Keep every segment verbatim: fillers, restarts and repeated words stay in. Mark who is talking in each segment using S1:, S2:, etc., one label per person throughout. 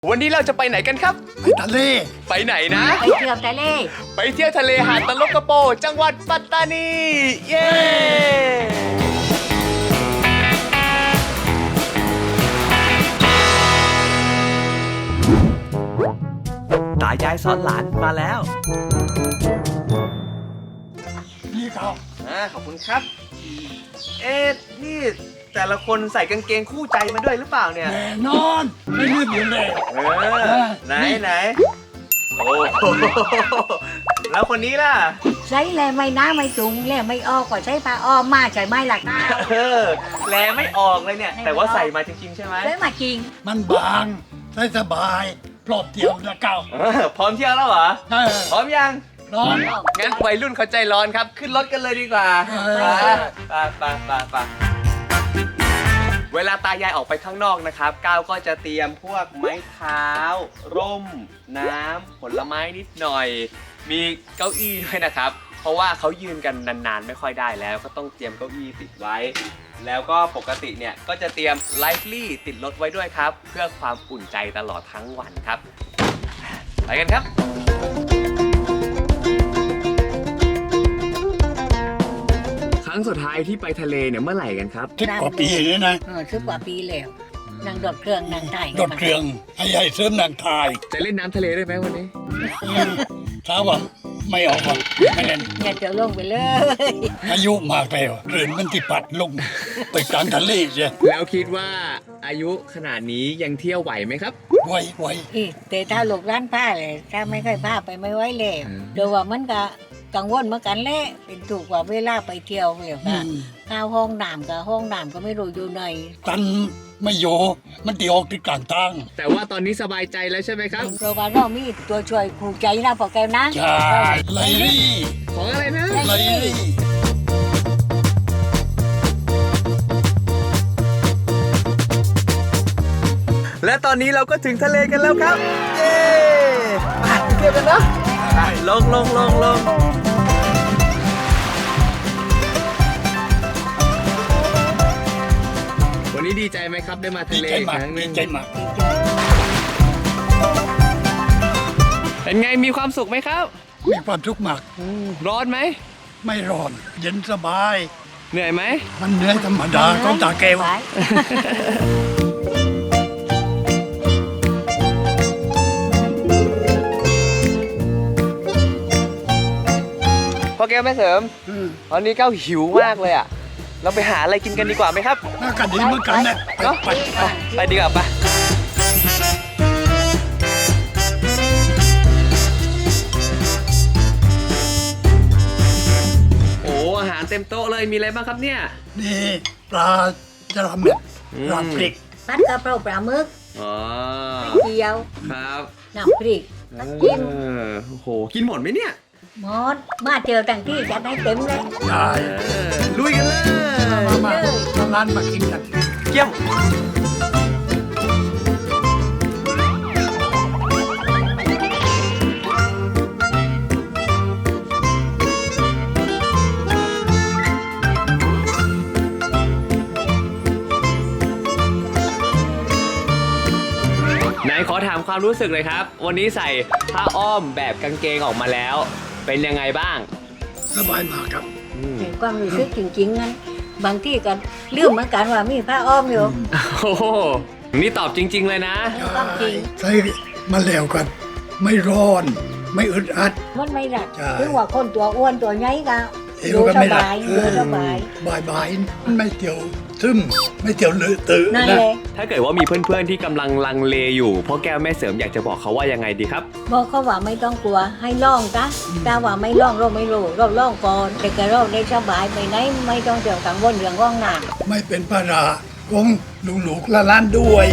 S1: วันนี้เราจะไปไหนกันครับ
S2: ไปทะเล
S1: ไปไหนนะ
S3: ไปเที่ยวทะเล
S1: ไปเที่ยวทะเลหาดตะลกกระโปจังหวัดปัตตานีเย้ตายายสอนหลานมาแล้ว
S2: นี่ครับ
S1: อ่าขอบคุณครับเอ๊ะนี่แต่ละคนใส่กางเกงคู่ใจมาด้วยหรือเปล่าเนี่ย
S2: แน่นอนไม่ลืมอยู่เลย
S1: เออไหนไหนโอ้แล้วคนนี้ล่ะ
S3: ใช้แลไม่น้าไม่จุงแลไม่ออกก็ใช้ผ้าอ้อมมาใช้ไม้หลักหน้า
S1: เออแลไม่ออกเลยเนี่ยแต่ว่าใส่มาจริงๆใช่ไหม
S3: ใช้มาจริง
S2: มันบางใช้สบายปลอบเที่ยวนะเก้า
S1: พร้อมเที่ยวแล้วเหรอพร้อมยัง
S2: ร้อน
S1: งั้นวัยรุ่นเขาใจร้อนครับขึ้นรถกันเลยดีกว่าไปไปไปไปเวลาตายายออกไปข้างนอกนะครับก้าวก็จะเตรียมพวกไม้เท้าร่มน้ำผลไม้นิดหน่อยมีเก้าอี้ด้วยนะครับเพราะว่าเขายืนกันนานๆไม่ค่อยได้แล้วก็ต้องเตรียมเก้าอี้ติดไว้แล้วก็ปกติเนี่ยก็จะเตรียมไลฟ์ลี่ติดรถไว้ด้วยครับเพื่อความอุ่นใจตลอดทั้งวันครับไปกันครับครั้งสุดท้ายที่ไปทะเลเนี่ยเมื่อไหร่กันครับ
S2: สิบกว่าปีเลยนะ
S3: เออสิบกว่าปีแล้วนั่งดดเครื่องนั่งถ่าย
S2: ดดเครื่องให้ใหญ่เสริมนางทาย
S1: จะเล่นน้ำทะเลได้ไหมวันนี้
S2: ถ้าว่าไม่ออกไม่เล่น
S3: อย่าเจอลงไปเลย
S2: อายุมากแล้วเรื่นมันที่ปัดลงไปกลางทะเลใช่
S1: แล้วคิดว่าอายุขนาดนี้ยังเที่ยวไหวไหมครับ
S2: ไหวไหว
S3: แต่ถ้าหลบร้านผ้าเลยถ้าไม่เคยผ้าไปไม่ไหวเลยเดี๋ยวว่ามันก็กังวลเหมือนกันแหละเป็นถูกกว่าเวลาไปเที่ยวเลยค่ะข้าวห้องน้ำกับห้องน้ำก็ไม่รู้อยู่ไหน
S2: ตันไม่โยมันตีออกที่กลางทาง
S1: แต่ว่าตอนนี้สบายใจแล้วใช่ไหมครับ
S3: เพราะว่าเรามีตัวช่วยคู่ใจนะพอแกนะ
S2: ใช่ไลลี่
S1: ของอะไรนะ
S2: ไลลี่
S1: และตอนนี้เราก็ถึงทะเลกันแล้วครับเย้ไปเที่ยวกันนะลงลงลงลงวันนี้ดีใจไหมครับได้มาทะเลอีกครั้งนึง
S2: ดีใจมาก
S1: เป็นไงมีความสุขไหมครับ
S2: มีความสุขมาก
S1: ร้อนไหม
S2: ไม่ร้อนเย็นสบาย
S1: เหนื่อยไหม
S2: มันเหนื่อยธรรมดาของตาแก้ว
S1: พ่อแก้วแม่เสริมตอนนี้ก้าวหิวมากเลยอ่ะเราไปหาอะไรกินกันดีกว่าไหมครับ
S2: น่ากันดีเหมือนกันนะ
S1: เนาะไปดีกว่าปะโอ้อาหารเต็มโต๊ะเลยมีอะไรบ้างครับเนี่ย
S2: นี่ปลาจระเม็ดปลาพริก
S3: ผัดกะเพราปลาหมึก
S1: อ๋อ
S3: เกี๊ยว
S1: ครับ
S3: น้ำพริกน้ำจิ้ม
S1: โอ้โหกินหมดไหมเนี่ย
S3: หมดมาเจอตั้งที่จะได้เต็มเลย
S2: ได้
S1: ลุยกันเลย
S2: มามาร้านมากินกัน
S1: เยี่ยมไหนขอถามความรู้สึกเลยครับวันนี้ใส่ผ้าอ้อมแบบกางเกงออกมาแล้วเป็นยังไงบ้าง
S2: สบายมากครับ
S3: ความรู้สึกจริงๆงั้นบางที่ก็ลืมเหมือนกันว่ามีผ้าอ้อมอยู่
S1: โอ้โหนี่ตอบจริงๆเลยนะ
S3: จริง
S2: ใส่มาแล้วกันไม่ร้อนไม่อึดอัด
S3: มันไม่หนักถึงว่าคนตัวอ้วนตัวใหญ่ก็ดูสบายดูสบาย
S2: บายบายมันไม่เกี่ยวซึมไม่เกี่ยวเลอะเตอะ
S3: นะ
S1: ถ้าเกิดว่ามีเพื่อนๆที่กำลังลังเลอยู่พ่อแก้วแม่เสริมอยากจะบอกเขาว่ายังไงดีครับ
S3: บอกเขาว่าไม่ต้องกลัวให้ลองนะแต่ว่าไม่ลองเราไม่รู้เราลองก่อนแต่ก็เราได้สบายไปไหนไม่ต้องเดือดกังวลเรื่องห้องน้
S2: ำไม่เป็นภาระของลูกๆละล้านด้วย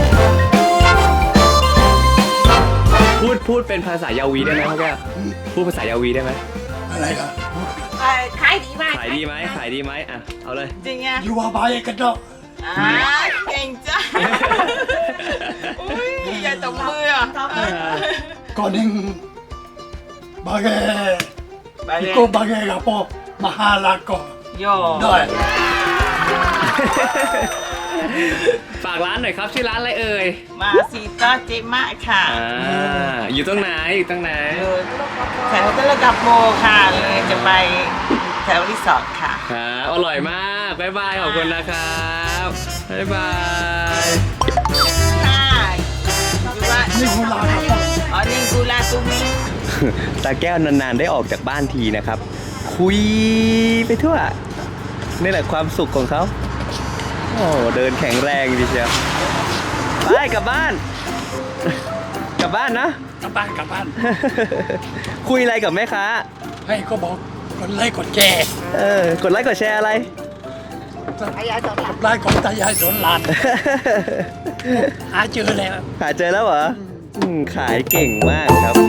S1: พูดพูดเป็นภาษายาวีได้ไหมพ่อแก้วพูดภาษายาวีได้ไหม
S2: อะไรล่ะ
S3: ขายดีไหม
S1: ขายดีไหมขายดีไหมอ่ะเอาเลย
S3: จริงอ่ะ
S2: อยู่ว่าบายกันเนาะ
S3: อ่าเก่งจ้ะอุ้ยอย่าตบมืออ่ะ
S2: ก่อนหนึ่งบาเกพี่ก็บาเกกับพ่อมาหาลักก็
S3: ย่อ
S2: ได้
S1: ฝากร้านหน่อยครับชื่อร้านอะไรเอ่ย
S4: มาซีต้าเจมะค่ะ
S1: อ่าอยู่ตรงไหนอยู่ตรงไหน
S4: อยู่แถวตะลกับโมค่ะเลยจะไปแถวรีสอร์ทค่ะ
S1: ครับอร่อยมากบ๊ายบายขอบคุณนะครับบ๊ายบาย
S4: ค่ะดูว่า
S2: นี่คุณลาครับ
S4: อ๋อนี่กูลากูมิ
S1: ตาแก้วนานๆได้ออกจากบ้านทีนะครับ คุยไปทั่วนี่แหละความสุขของเขาโอ้เดินแข็งแรงดีเชียวไปกลับบ้าน กลับบ้านนะ
S2: กลับบ้านกลับบ้าน
S1: คุยอะไรกับแม่ค้า
S2: ให้ก็บอกกดไลค์กดแชร์
S1: เออกดไลค์กดแชร์อะไร
S2: กดไลค์ของตายายสวนหลานหาเจอแล้ว
S1: หาเจอแล้วเหรออืมขายเก่งมากครับ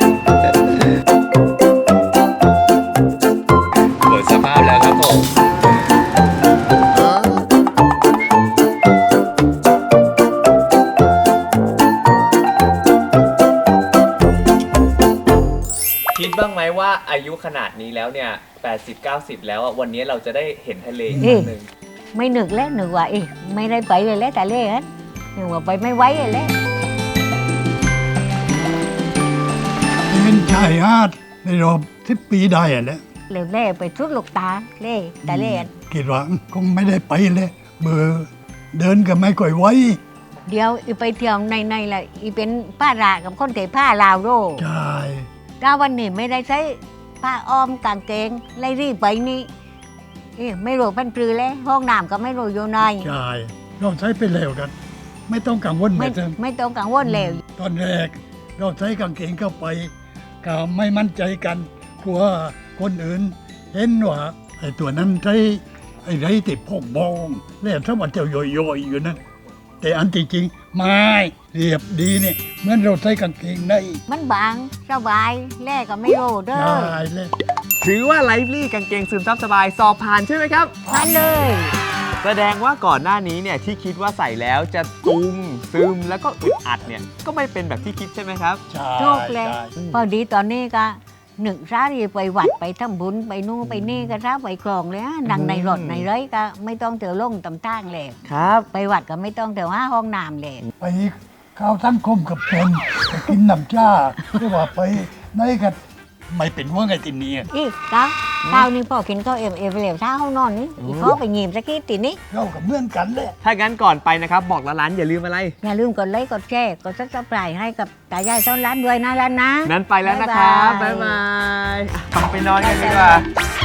S1: หมดสภาพแล้วครับผมคิดบ้างไหมว่าอายุขนาดนี้แล้วเนี่ย แปดสิบ เก้าสิบ แล้วอะวันนี้เราจะได้เห็นทะเลอีกครั้งหนึ่ง
S3: ไม่นึกแล้วนึกว่าเอ๊ะไม่ได้ไปเลยแล้วแต่เล่ฮะนึกว่าไปไม่ไหวเลยแล้ว
S2: เป็นชายหาดในรอบสิบปีได้อะแล้ว
S3: เล่เล่ไปทุดลูกตาเล่แต่เล่
S2: คิดว่าคงไม่ได้ไปเลยเบอร์เดินก็ไม่ค่อยไหว
S3: เดี๋ยวอีไปเที่ยวในในๆแหละอีเป็นป้ารากับคนเตะผ้าลาวโร
S2: ใช่
S3: ถ้าวันนี้ไม่ได้ใช้ผ้าอ้อมกางเกงไล่รีบไปนี่เอ๊ะไม่รู้เป็นปลือแล้วห้องน้ำก็ไม่รู้อยู่ใน
S2: ใช่เราใช้ไปแล้วกัน ไม่ต้องกังวล
S3: ไม่
S2: แบบนั้น
S3: ไม่ต้องกังวลแล้ว
S2: ตอนแรกเราใช้กางเกงเข้าไปก็ไม่มั่นใจกันกลัวคนอื่นเห็นว่าไอ้ตัวนั้นใช้ไอ้ไรติดพกบองแล้วถ้ามันจะย่อยๆอยู่นะแต่อันที่จริงไม่เรียบดีเนี่ยเหมือนเราใช้กางเกงใน
S3: มันบางสบายแล่ก็ไม่รู้เด้อ
S2: ได้เลย
S1: ถือว่าไลฟ์ลี่กางเกงซึมซับสบายสอบผ่านใช่ไหมครับ
S3: นั่นเลย
S1: แสดงว่าก่อนหน้านี้เนี่ยที่คิดว่าใส่แล้วจะตุงซึมแล้วก็อึดอัดเนี่ยก็ไม่เป็นแบบที่คิดใช่ไหมครับ
S2: ใช่
S3: โชคเลย
S2: ใช่
S3: พอดีตอนนี้ก็หนึ่งร้าที่ไปวัดไปทำบุญไปนู่นไปนี่ก็ร้าไปคลองเลยนะดังในรถในไรก็ไม่ต้องเตียวลงตำตั้งเลย
S1: ครับ
S3: ไปวัดก็ไม่ต้องเตียวห้าห้องน้ำเลย
S2: ไปเข้าวสังคมกับคนไปกินน้ำจ้าไม่ว่าไปไหนกันไม่เป็นว่าไงติเนี่ย
S3: อีกก้าวก้าวนี่พ่อกินข้าวเอ็มเอฟเหลวเช้าห้องนอนนี่อีกเขาไปหยิบสักทีตินี่
S2: เรากับเมื่อนกันแหละ
S1: ถ้างั้นก่อนไปนะครับบอกร้านอย่าลืมอะไร
S3: อย่าลืมกดไลค์กดแชร์กดซับสไครต์ให้กับตายายซ้อนร้านด้วยนะร้านนะ
S1: นั้นไปแล้วนะครับ
S3: บ๊า
S1: บ๊าย ย
S3: บา
S1: บาย ยอ่ะไปนอนกันดีกว่า